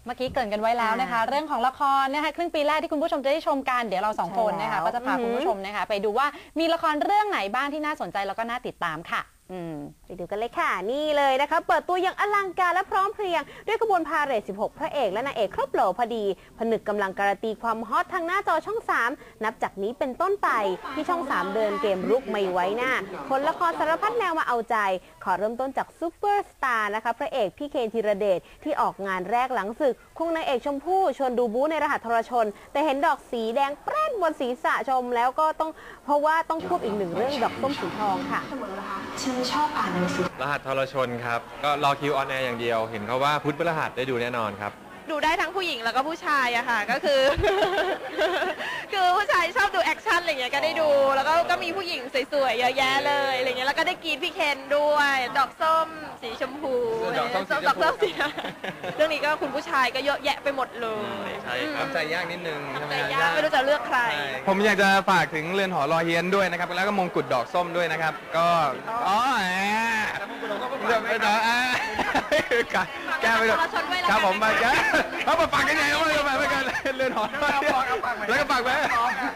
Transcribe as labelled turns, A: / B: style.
A: เมื่อกี้เกริ่นกันไว้แล้วนะคะเรื่องของละครนะคะครึ่งปีแรกที่คุณผู้ชมจะได้ชมกันเดี๋ยวเราสองคนนะคะก็จะพาคุณผู้ชมนะคะไปดูว่ามีละครเรื่องไหนบ้างที่น่าสนใจแล้วก็น่าติดตามค่ะ
B: ไปดูกันเลยค่ะนี่เลยนะคะเปิดตัวอย่างอลังการและพร้อมเพรียงด้วยขบวนพาเหรด16 พระเอกและนางเอกครบโหลพอดีผนึกกำลังการันตีความฮอตทางหน้าจอช่อง3นับจากนี้เป็นต้นไปที่ช่อง3เดินเกมรุกไม่ไว้หน้าผลละครสารพัดแนวมาเอาใจขอเริ่มต้นจากซูเปอร์สตาร์นะคะพระเอกพี่เคนธีรเดชที่ออกงานแรกหลังศึกควงนางเอกชมพู่ชวนดูบู๊ในรหัสทรชนแต่เห็นดอกสีแดงแปร่นบนศีรษะชมแล้วก็ต้องเพราะว่าต้องควบอีกหนึ่งเรื่องดอกส้มสีทองค่ะ
C: ฉันชอบอ่านหนังสือ
D: รหัสทรชนครับก็รอคิวออนแอร์อย่างเดียวเห็นเขาว่าพุธพฤหัสได้ดูแน่นอนครับ
E: ดูได้ทั้งผู้หญิงแล้วก็ผู้ชายอะค่ะก็คือ คือผู้ชายชอบดูแอคชั่นอะไรเงี้ยก็ได้ดูแล้วก็มีผู้หญิงสวยๆเยอะแยะเลยอะไรเงี้ยแล้วก็ได้กรีดพี่เคนด้วยดอกส้มสีชมพูดอกส้มสีเรื่องนี้ก็คุณผู้ชายก็เยอะแยะไปหมดเลย
D: ใช่ครับใจยากนิดนึง
E: ใจยากไม่รู้จะเลือกใคร
D: ผมอยากจะฝากถึงเรือนหอรอเฮียนด้วยนะครับแล้วก็มงกุฎดอกส้มด้วยนะครับก็แก้ไปด้วยครับผมไปแก้เขามาฝากกันไงเขามากันเรือนหอแล้วก็ฝากไป